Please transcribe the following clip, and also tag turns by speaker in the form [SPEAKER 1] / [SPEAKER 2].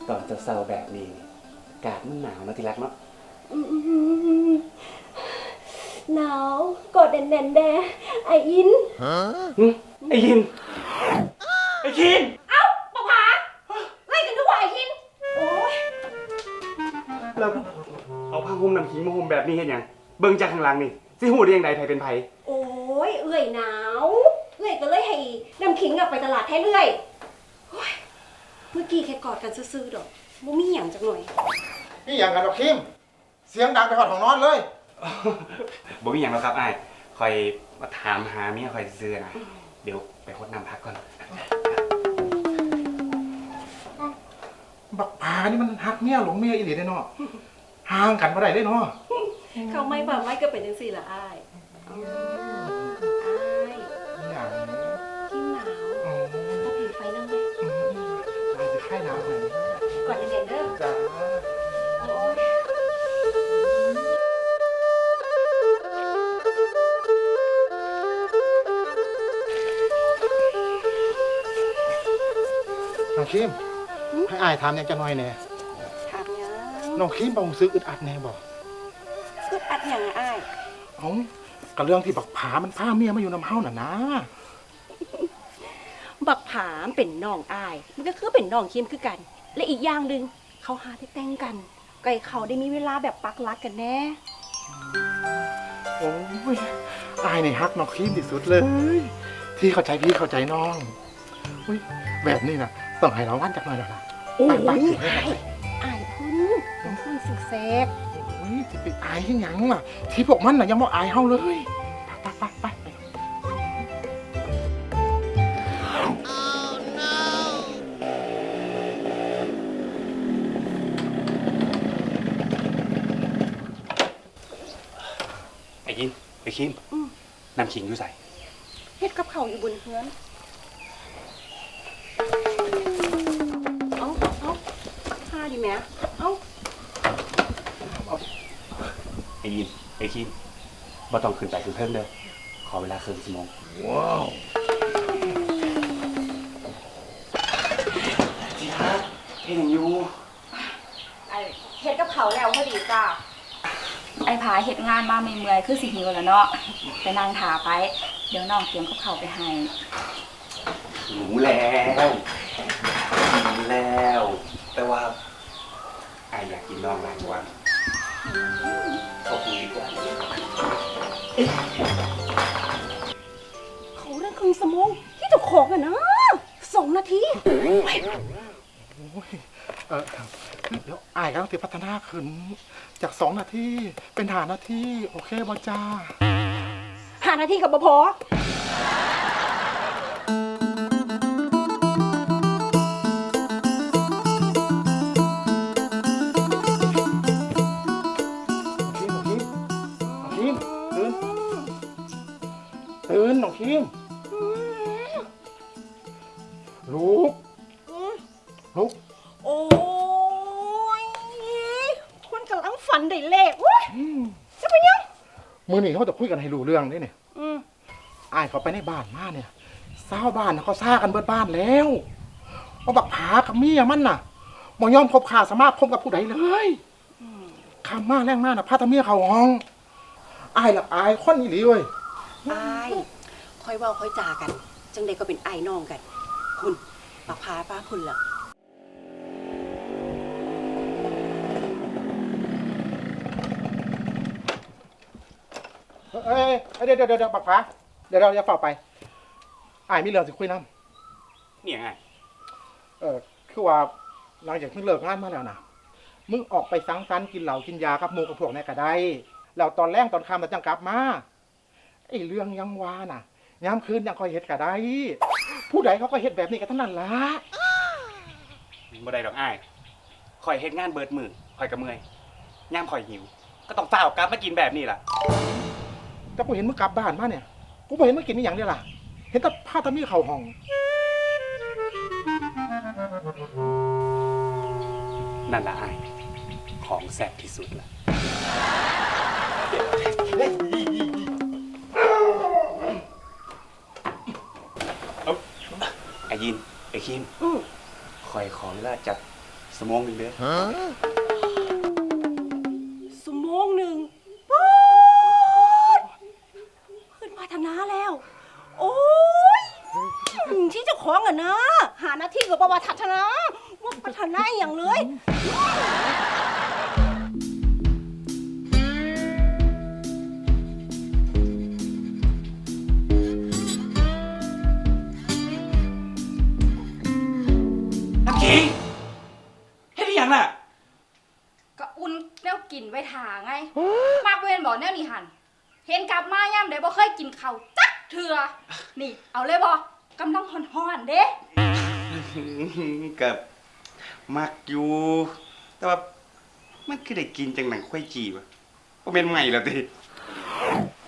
[SPEAKER 1] ตอนเศร้าๆแบบนี้อากาศมันหนาวนะที่รักเนาะ
[SPEAKER 2] หนาวกอดแน่นๆแดไออิน
[SPEAKER 1] ไอ้ยินไอ้ยิน
[SPEAKER 2] เอ้าปะผาไล่กันทุกวันไออินโอ้ย
[SPEAKER 1] แล้วเอาผ้าห่มน้ำขิงมาห่มแบบนี้เห็นยังเบิ่งจากข้างหลังนี่สิหูได้ยังไงไผเป็นไผ
[SPEAKER 2] โอ้ยเอื่อยหนาวเอื่อยก็เลยให้น้ำขิงกลับไปตลาดแท้เรื่อยโอ้ยเมื่อกี้แค่กอดกันซื่อๆดอกบ่มีหยังจักหน่อย
[SPEAKER 3] นี่อย่างกันดอกคิมเสียงดังไปหอดของนอนเลย
[SPEAKER 1] บ่มีหยังแล้วครับอ้ายคอยมาถามหาเมียคอยซื้อนะเดี๋ยวไปรดน้ำพักก่อน
[SPEAKER 3] บักผานี่มันฮักเมียหลงเมียอีหลีได้เนาะห่างกันบ่ได้เนาะ
[SPEAKER 2] เขาไม่บ่ไม่ก็เป็นจังซี่ล่ะอ้ายอ้าย
[SPEAKER 3] อย่างนี้
[SPEAKER 2] กินหนาวพอผิงไฟนั่งไหม
[SPEAKER 3] อาจจะไข้หนาวหน่อย
[SPEAKER 2] กอดแน่นๆเด้อ
[SPEAKER 3] จ้า
[SPEAKER 2] โอ้ย
[SPEAKER 3] น้องคิมให้อายถามเนี่ยจะน้อยแน่
[SPEAKER 2] ถามยัง
[SPEAKER 3] น้องคิมบ่รู้สึกอึดอัดแน่บ่
[SPEAKER 2] คืออัดหยังอะอ้าย
[SPEAKER 3] เอ้าก็เรื่องที่บักผามันพาเมียมาอยู่นำเฮาน่ะนะ
[SPEAKER 2] บักผามเป็นน้องอ้าย มันก็คือเป็นน้องคิมคือกัน และอีกอย่างหนึ่งเขาหาได้แต่งกันไก่เขาได้มีเวลาแบบปักรักกันแน่
[SPEAKER 3] โอ้ยอายนี่ฮักน้องคิมที่สุดเลย ที่เข้าใจพี่เข้าใจน้องอุ้ยแบบนี้น่ะต้องให้เราวันจักหน่อยแล้วล่ะ
[SPEAKER 2] โอ้ย
[SPEAKER 3] ไป
[SPEAKER 2] อ้ายพุ่นสึกแซก
[SPEAKER 3] โอ้ยจะไปอายยังหยังล่ะ ที่พวกมันน่ะยังบ่อายเฮาเลยไป
[SPEAKER 1] ไอ้ยินไอ้คิมน้ำขิงอยู่ใส่
[SPEAKER 2] เฮ็ดกับเขาวอยู่บนเฮือนเอาพาดิแม่เอา
[SPEAKER 1] ไอ้ยินไอ้คิมบ่ต้องขึ้นไปขึ้นเพิ่มเด้อขอเวลาครึ่งชั่วโมงว้าวที่รักเฮ็ดหยังอยู่
[SPEAKER 4] ไอเฮ็ดกับเขาวแล้วพอดีจ้าไอผาเฮ็ดงานมาเมื่อยๆคือสิหิวแล้วเนาะไปนั่งถาไป เดี๋ยวน้องเตรียมกับเขาวไปให้
[SPEAKER 1] รู้แล้วแต่ว่าไอ้อยากกินน้องหลายวันขอบคุณดีกว่า
[SPEAKER 2] เขาเรื่องครึ่งชั่วโมงที่จะขอกันนะ2 นาที
[SPEAKER 3] โอ้ยเดี๋ยวอายก็ต้องพัฒนาขึ้นจาก2 นาทีเป็น5 นาทีโอเคบ่จ้า
[SPEAKER 2] 5 นาทีกับบ่พอ
[SPEAKER 3] ตื่นน้องคิมลุก
[SPEAKER 2] โอ้ยคนกำลังฝันได้เลขเว้ยจะไปยัง
[SPEAKER 3] มื้อนี้เขาจะคุยกันให้รู้เรื่องนี่เนี่ยอ้ายเขาไปในบ้านมาเนี่ยชาวบ้านน่ะเขาซ่ากันเบิดบ้านแล้วว่าบักผากับเมียมันน่ะบ่ยอมคบค้าสมาคมกับผู้ใดเลยคำมาแรงมากน่ะพาแตาเมียเขาห้องอ้ายละอายคนอีหลีเว้ย
[SPEAKER 2] อายค่อยเว้าค่อยจากัน จังใดก็เป็นไอ้น้องกัน คุณปักพาป้าคุณล่ะ
[SPEAKER 3] เดี๋ยวบักผาเดี๋ยวเราจะเฝ้าไปอ้ายมีเรื่องสิคุยนำ
[SPEAKER 1] เนี่ยไง
[SPEAKER 3] คือว่าหลังจากมึงเลิกงานมาแล้วนะมึงออกไปสังสรรค์กินเหล้ากินยากับหมู่กับพวกนี่ก็ได้แล้วตอนแรกตอนค่ำแล้วจังกลับมาไอ้เรื่องยังวาน่ะยามคืนยังคอยเฮ็ดก็ได้ ผู้ใดเขาก็เฮ็ดแบบนี้กันทั้งนั้นล่ะ
[SPEAKER 1] บ่ได้ดอกอ้ายคอยเฮ็ดงานเบิดมือคอยกระเมื่อยย่ามคอยหิว ก็ต้องฝ้าวกลับมากินแบบนี้ล่ะ
[SPEAKER 3] แต่กูเห็นมึงกลับบ้านมาเนี่ยกูบ่เห็นมึงกินนี่อย่างเดียวล่ะเห็นแต่ผ้าตะมีเข้าห้อง
[SPEAKER 1] นั่นล่ะอ้ายของแซ่บที่สุดล่ะไอ้ยินไอ้คิมคอยขอเวลาจักสมองหนึ่งเด้อ
[SPEAKER 2] สมองหนึ่งป๊ดขึ้นพัฒนาแล้ว โอ้ยที่เจะของอะนะ หาหน้าที่กับประวัติพัฒนาว่าพัฒนาอหย่างเลย
[SPEAKER 1] น้ำขิงเฮ็ดอีหยังน่ะ
[SPEAKER 4] ก็อุ่นแนวกินไว้ทาไง มากเว้นบอกแนวนี้หัน เห็นกลับมาย่ำได้บ่เคยกินข้าวจักเถื่อนี่ เอาเลยบ่กำลังฮ้อนๆเด้
[SPEAKER 1] กับมักอยู่ แต่ว่ามันคือได้กินจังหนังควายจีวะบ่แม่นใหม่แล้วติ